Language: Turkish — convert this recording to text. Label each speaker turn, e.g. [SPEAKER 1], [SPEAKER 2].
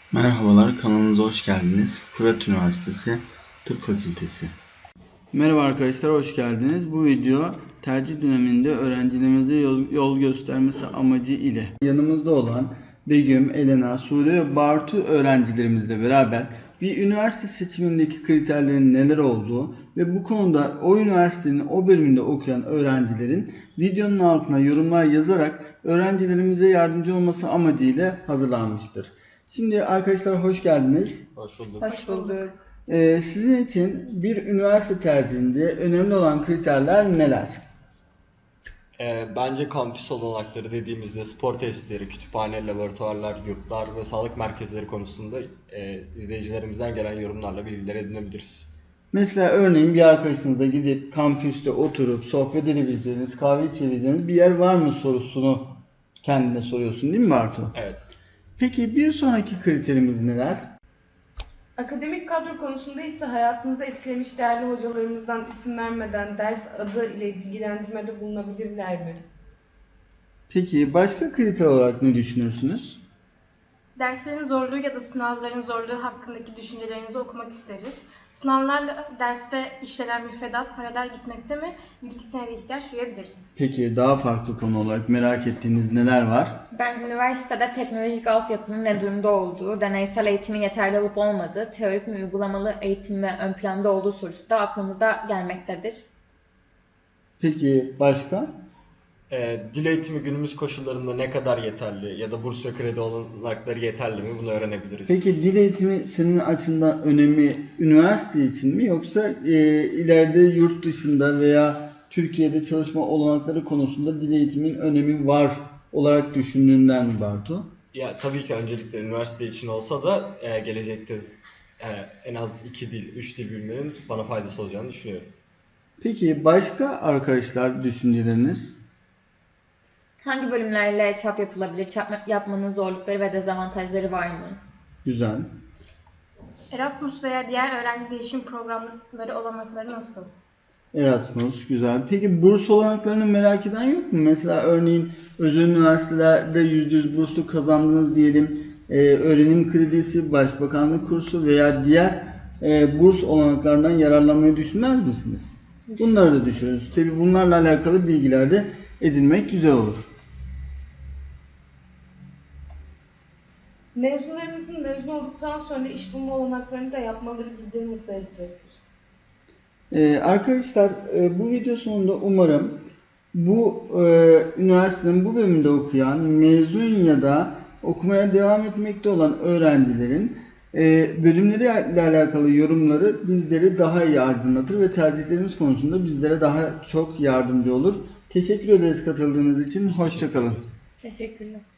[SPEAKER 1] Merhabalar, kanalımıza hoş geldiniz. Fırat Üniversitesi Tıp Fakültesi. Merhaba arkadaşlar, hoş geldiniz. Bu video tercih döneminde öğrencilerimize yol göstermesi amacı ile yanımızda olan Begüm, Elena, Sude ve Bartu öğrencilerimizle beraber bir üniversite seçimindeki kriterlerin neler olduğu ve bu konuda o üniversitenin o bölümünde okuyan öğrencilerin videonun altına yorumlar yazarak öğrencilerimize yardımcı olması amacıyla hazırlanmıştır. Şimdi arkadaşlar hoş geldiniz.
[SPEAKER 2] Hoş bulduk.
[SPEAKER 3] Hoş bulduk.
[SPEAKER 1] Sizin için bir üniversite tercihinde önemli olan kriterler neler?
[SPEAKER 2] Bence kampüs olanakları dediğimizde spor tesisleri, kütüphane, laboratuvarlar, yurtlar ve sağlık merkezleri konusunda izleyicilerimizden gelen yorumlarla bilgiler edinebiliriz.
[SPEAKER 1] Mesela örneğin bir arkadaşınızla gidip kampüste oturup sohbet edebileceğiniz, kahve içebileceğiniz bir yer var mı sorusunu kendine soruyorsun değil mi Bartu?
[SPEAKER 2] Evet.
[SPEAKER 1] Peki bir sonraki kriterimiz neler?
[SPEAKER 3] Akademik kadro konusunda ise hayatınızı etkilemiş değerli hocalarımızdan isim vermeden ders adı ile bilgilendirmede bulunabilirler mi?
[SPEAKER 1] Peki başka kriter olarak ne düşünürsünüz?
[SPEAKER 4] Derslerin zorluğu ya da sınavların zorluğu hakkındaki düşüncelerinizi okumak isteriz. Sınavlarla derste işlenen müfredat paralel gitmekte mi? Bir iki senede ihtiyaç duyabiliriz.
[SPEAKER 1] Peki daha farklı konu olarak merak ettiğiniz neler var?
[SPEAKER 5] Ben üniversitede teknolojik altyapının ne durumda olduğu, deneysel eğitimin yeterli olup olmadığı, teorik mi uygulamalı eğitim mi ön planda olduğu sorusu da aklımıza gelmektedir.
[SPEAKER 1] Peki başka?
[SPEAKER 2] Dil eğitimi günümüz koşullarında ne kadar yeterli ya da burs ve kredi olanakları yeterli mi bunu öğrenebiliriz.
[SPEAKER 1] Peki dil eğitimi senin açından önemi üniversite için mi yoksa ileride yurt dışında veya Türkiye'de çalışma olanakları konusunda dil eğitimin önemi var olarak düşündüğünden mi Bartu?
[SPEAKER 2] Ya tabii ki öncelikle üniversite için olsa da gelecekte en az 2 dil, 3 dil bilmenin bana faydası olacağını düşünüyorum.
[SPEAKER 1] Peki başka arkadaşlar düşünceleriniz?
[SPEAKER 5] Hangi bölümlerle çap yapılabilir, çap yapmanın zorlukları ve dezavantajları var mı?
[SPEAKER 1] Güzel.
[SPEAKER 4] Erasmus veya diğer öğrenci değişim programları olanakları nasıl?
[SPEAKER 1] Erasmus güzel. Peki burs olanaklarını merak eden yok mu? Mesela örneğin özel üniversitelerde %100 burslu kazandınız diyelim. Öğrenim kredisi, başbakanlık kursu veya diğer burs olanaklarından yararlanmayı düşünmez misiniz? Bunları da düşünürüz. Tabii bunlarla alakalı bilgiler de edinmek güzel olur.
[SPEAKER 3] Mezunlarımızın mezun olduktan sonra iş bulma olanaklarını da yapmaları bizleri mutlu edecektir.
[SPEAKER 1] Arkadaşlar bu video sonunda umarım bu üniversitenin bu bölümünde okuyan, mezun ya da okumaya devam etmekte olan öğrencilerin bölümleriyle alakalı yorumları bizleri daha iyi aydınlatır ve tercihlerimiz konusunda bizlere daha çok yardımcı olur. Teşekkür ederiz katıldığınız için. Hoşça kalın.
[SPEAKER 5] Teşekkürler.